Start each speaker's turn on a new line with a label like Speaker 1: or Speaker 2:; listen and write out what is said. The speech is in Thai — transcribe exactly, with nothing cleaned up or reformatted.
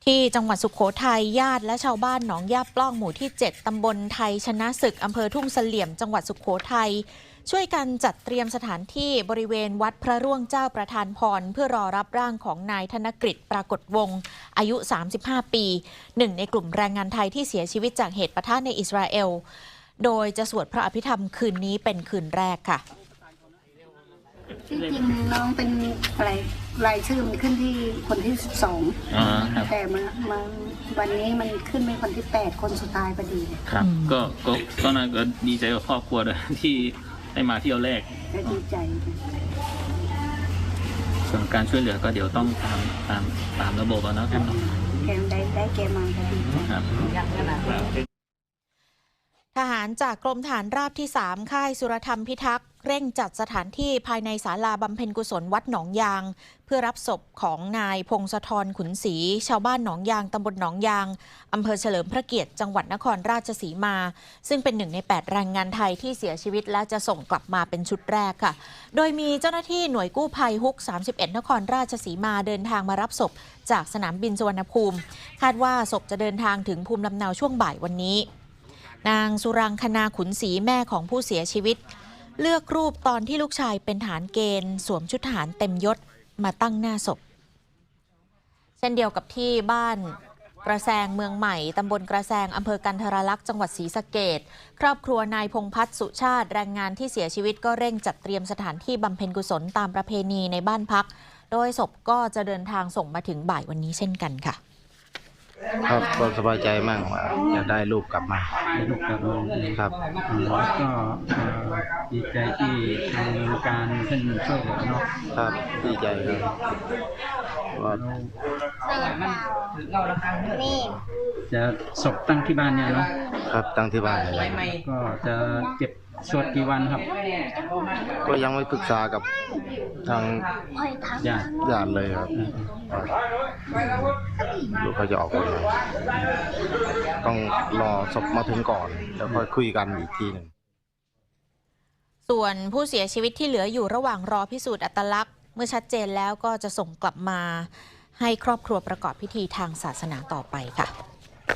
Speaker 1: ที่จังหวัดสุโขทัยญาติและชาวบ้านหนองย่าปล้องหมู่ที่เจ็ดตำบลไทยชนะศึกอำเภอทุ่งเสลี่ยมจังหวัดสุโขทัยช่วยกันจัดเตรียมสถานที่บริเวณวัดพระร่วงเจ้าประธานพรเพื่อรอรับร่างของนายธนกฤษปรากฏวงศ์อายุสามสิบห้าปีหนึ่งในกลุ่มแรงงานไทยที่เสียชีวิตจากเหตุปะทะในอิสราเอลโดยจะสวดพระอภิธรรมคืนนี้เป็นคืนแรกค่ะ
Speaker 2: ที่จริงน้องเป็นอะไรรายชื่อมันขึ้นที่คนที่สิบสองแต่มามาวันนี้มันขึ้นเป็นคนที่แปดคนสุดท้ายพอดี
Speaker 3: ครับก็ก็ก็น่าก็ดีใจกับครอบครัวด้วยที่ได้มาเที่ยวแรก
Speaker 2: ก็ดีใจ
Speaker 3: ส่วนการช่วยเหลือก็เดี๋ยวต้องตามตามตามระบบนะครับ
Speaker 2: แกมได้ได้แกมาก็ดีครับ
Speaker 1: ทหารจากกรมทหารราบที่สามค่ายสุรธรรมพิทักษ์เร่งจัดสถานที่ภายในศาลาบำเพ็ญกุศลวัดหนองยางเพื่อรับศพของนายพงศธรขุนศรีชาวบ้านหนองยางตำบลหนองยางอำเภอเฉลิมพระเกียรติจังหวัดนครราชสีมาซึ่งเป็นหนึ่งในแปดแรงงานไทยที่เสียชีวิตและจะส่งกลับมาเป็นชุดแรกค่ะโดยมีเจ้าหน้าที่หน่วยกู้ภัยฮุกสามสิบเอ็ดนครราชสีมาเดินทางมารับศพจากสนามบินสุวรรณภูมิคาดว่าศพจะเดินทางถึงภูมิลำเนาช่วงบ่ายวันนี้นางสุรังคณาขุนศรีแม่ของผู้เสียชีวิตเลือกรูปตอนที่ลูกชายเป็นทหารเกณฑ์สวมชุดทหารเต็มยศมาตั้งหน้าศพเช่นเดียวกับที่บ้านกระแซงเมืองใหม่ตำบลกระแซงอำเภอกันทรลักษณ์จังหวัดศรีสะเกษครอบครัวนายพงษ์พัฒน์สุชาติแรงงานที่เสียชีวิตก็เร่งจัดเตรียมสถานที่บำเพ็ญกุศลตามประเพณีในบ้านพักโดยศพก็จะเดินทางส่งมาถึงบ่ายวันนี้เช่นกันค่ะ
Speaker 4: ครับก็สบายใจมากว่าจะได้ลูกกลับมา
Speaker 5: ลูกกลับมา
Speaker 4: ครับ
Speaker 5: ก็ดีใจที่ทางการท่านช่วยเหลือเนาะ
Speaker 4: ครับดีใจครับว่า
Speaker 5: จะศพตั้งที่บ้านเนี่ยเนาะ
Speaker 4: ครับตั้งที่บ้านเลย
Speaker 5: ก็จะเก็บสวดกี่วันครับ
Speaker 4: ก็ยังไม่ปรึกษากับทาง
Speaker 5: ญาติ
Speaker 4: ญาติเลยครับลูกเขาจะออกวันไหนต้องรอศพมาถึงก่อนแล้วค่อยคุยกันอีกทีหนึ่ง
Speaker 1: ส่วนผู้เสียชีวิตที่เหลืออยู่ระหว่างรอพิสูจน์อัตลักษณ์เมื่อชัดเจนแล้วก็จะส่งกลับมาให้ครอบครัวประกอบพิธีทางศาสนาต่อไปค่ะ